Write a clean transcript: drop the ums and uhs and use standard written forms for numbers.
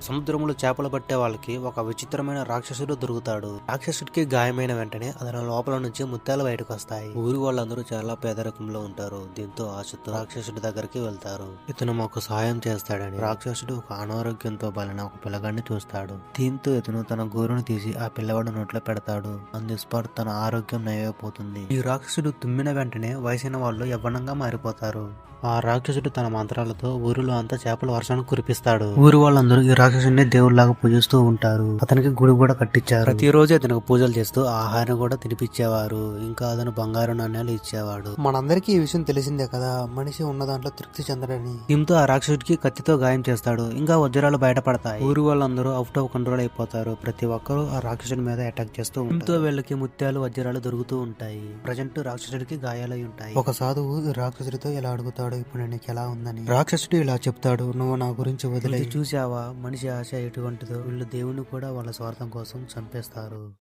సముద్రంలో చేపలు పట్టే వాళ్ళకి ఒక విచిత్రమైన రాక్షసుడు దొరుకుతాడు. రాక్షసుడికి గాయమైన వెంటనే అతని లోపల నుంచి ముత్యాలు బయటకు వస్తాయి. ఊరి వాళ్ళందరూ చాలా పేదరికంలో ఉంటారు. దీంతో ఆశతో రాక్షసుడి దగ్గరికి వెళ్తారు. ఇతను మాకు సహాయం చేస్తాడని రాక్షసుడు ఒక అనారోగ్యంతో బలిన ఒక పిల్లగాడిని చూస్తాడు. దీంతో ఇతను తన గోరును తీసి ఆ పిల్లవాడు నోట్లో పెడతాడు. అందు స్పాట్ తన ఆరోగ్యం నయమైపోతుంది. ఈ రాక్షసుడు తుమ్మిన వెంటనే వయసైన వాళ్ళు యవ్వనంగా మారిపోతారు. ఆ రాక్షసుడు తన మంత్రాలతో ఊరిలో అంతా చేపల వర్షాన్ని కురిపిస్తాడు. ఊరి వాళ్ళందరూ ఈ రాక్షసుడిని దేవుళ్లాగా పూజిస్తూ ఉంటారు. అతనికి గుడి కూడా కట్టించారు. ప్రతిరోజు అతనికి పూజలు చేస్తూ ఆహారం కూడా తినిపించేవారు. ఇంకా అతను బంగారు నాణ్యాలు ఇచ్చేవాడు. మనందరికీ ఈ విషయం తెలిసిందే కదా, మనిషి ఉన్న దాంట్లో తృప్తి చెందడని. దీంతో ఆ రాక్షసుడికి కత్తితో గాయం చేస్తాడు. ఇంకా వజ్రాలు బయటపడతాయి. ఊరి వాళ్ళందరూ అవుట్ ఆఫ్ కంట్రోల్ అయిపోతారు. ప్రతి ఒక్కరూ ఆ రాక్షసుడి మీద అటాక్ చేస్తూ ఉంటారు. దీంతో వీళ్ళకి ముత్యాలు వజ్రాలు దొరుకుతూ ఉంటాయి. ప్రజెంట్ రాక్షసుడికి గాయాలై ఉంటాయి. ఒక సాధువు రాక్షసుడితో ఇలా అడుగుతాడు, ఇప్పుడు నీకు ఎలా ఉందని. రాక్షసుడు ఇలా చెప్తాడు, నువ్వు నా గురించి వదిలే. చూసావా మనిషి ఆశ ఎటువంటిదో. వీళ్ళు దేవుని కూడా వాళ్ళ స్వార్థం కోసం చంపేస్తారు.